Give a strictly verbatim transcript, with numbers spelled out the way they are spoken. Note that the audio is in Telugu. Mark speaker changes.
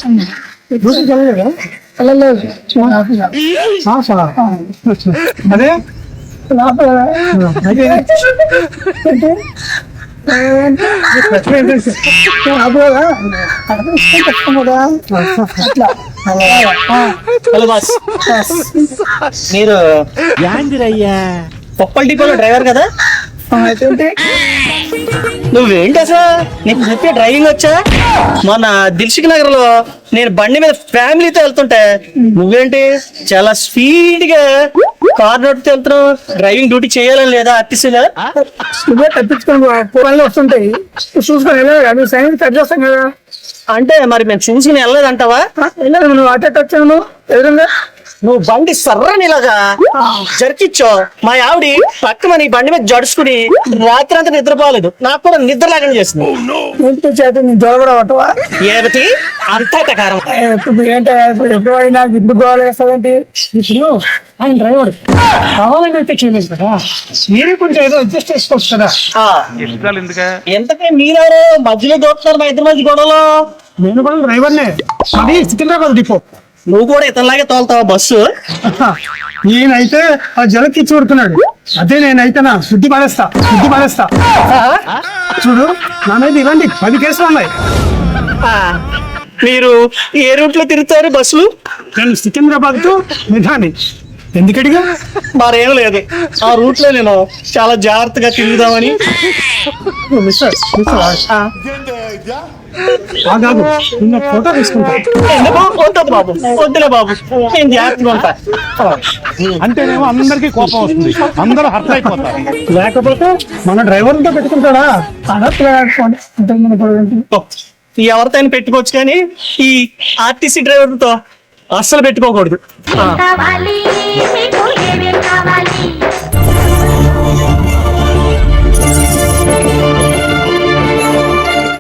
Speaker 1: అదే
Speaker 2: హలో బాస్, మీరు
Speaker 3: యాందిరయ్యా
Speaker 2: పొప్పల్ డిపోలో డ్రైవర్ కదా? నువ్వేంటి అసలు నీకు చెప్పే డ్రైవింగ్ వచ్చా? మొన్న దిల్సుఖ్ నగర్ లో నేను బండి మీద ఫ్యామిలీతో వెళ్తుంటే నువ్వేంటి చాలా స్పీడ్ గా కార్ నడుపుతూ వెళ్తున్నావు. డ్రైవింగ్ డ్యూటీ చేయాలని లేదా ఆర్టీసీగా?
Speaker 1: నువ్వే తప్పించుకొని పనులు వస్తుంటాయి, చూసుకొని వెళ్ళాలి కదా, సైన్ కట్ చేస్తాం కదా.
Speaker 2: అంటే మరి మేము చూసుకుని వెళ్ళలేదంటావా?
Speaker 1: వెళ్ళాలి, నువ్వు అటే వచ్చాను ఎదురుగా.
Speaker 2: నువ్వు బండి సర్రని ఇలాగా జరికిచ్చో మా ఆవిడ పక్కన నీ బండి మీద జడుచుకుని రాత్రి అంతా నిద్రపోలేదు. నాకు కూడా నిద్ర లేకుండా చేసింది.
Speaker 1: ఇంటి చేతి నీ జ్వర కూడా పట్టవా?
Speaker 2: ఏమిటి అంతా టకారం?
Speaker 1: ఇప్పుడు ఏంటి ఎప్పుడు అయినా ఇంటి గోడ వేస్తావేంటి? ఇప్పుడు ఆయన డ్రైవర్ కావాలని అయితే చేయలేదు కదా, మీరే కొంచెం ఏదో అడ్జస్ట్ చేసుకోవచ్చు కదా.
Speaker 2: ఎంతకే మీరెవరు మధ్యలో దోస్తున్నారు మా ఇద్దరు మధ్య గొడవలో?
Speaker 1: నేను కూడా డ్రైవర్నే, అది సికింద్రాబాద్ డిపో.
Speaker 2: నువ్వు కూడా ఇతనిలాగే తోలుతావా బస్సు?
Speaker 1: నేనైతే ఆ జలకి చూడుతున్నాడు, అదే నేనైతే నా శుద్ధి పడేస్తా శుద్ధి పడేస్తా చూడు, నా మీద ఇలాంటి పది కేసులు ఉన్నాయి.
Speaker 2: మీరు ఏ రూట్ లో తిరుగుతారు బస్సులు?
Speaker 1: నేను సికింద్రాబాద్ టు నిధాని. ఎందుకడిగా?
Speaker 2: మరేం లేదు, ఆ రూట్ లో నేను చాలా జాగ్రత్తగా తిరుగుదామని.
Speaker 1: ఫోటో తీసుకుంటా.
Speaker 2: ఎందుకు వద్దు బాబు, వద్దులే బాబు, నేను జాగ్రత్తగా ఉంటా.
Speaker 3: అంటేనేమో అందరికి కోపం వస్తుంది, అందరూ హర్ట్ అయిపోతారు.
Speaker 1: లేకపోతే మన డ్రైవర్తో పెట్టుకుంటాడా?
Speaker 2: ఎవరితో పెట్టుకోవచ్చు కానీ ఈ ఆర్టీసీ డ్రైవర్తో అస్సలు పెట్టుకోకూడదు.
Speaker 4: కావాలి మీకు ఏమేం కావాలి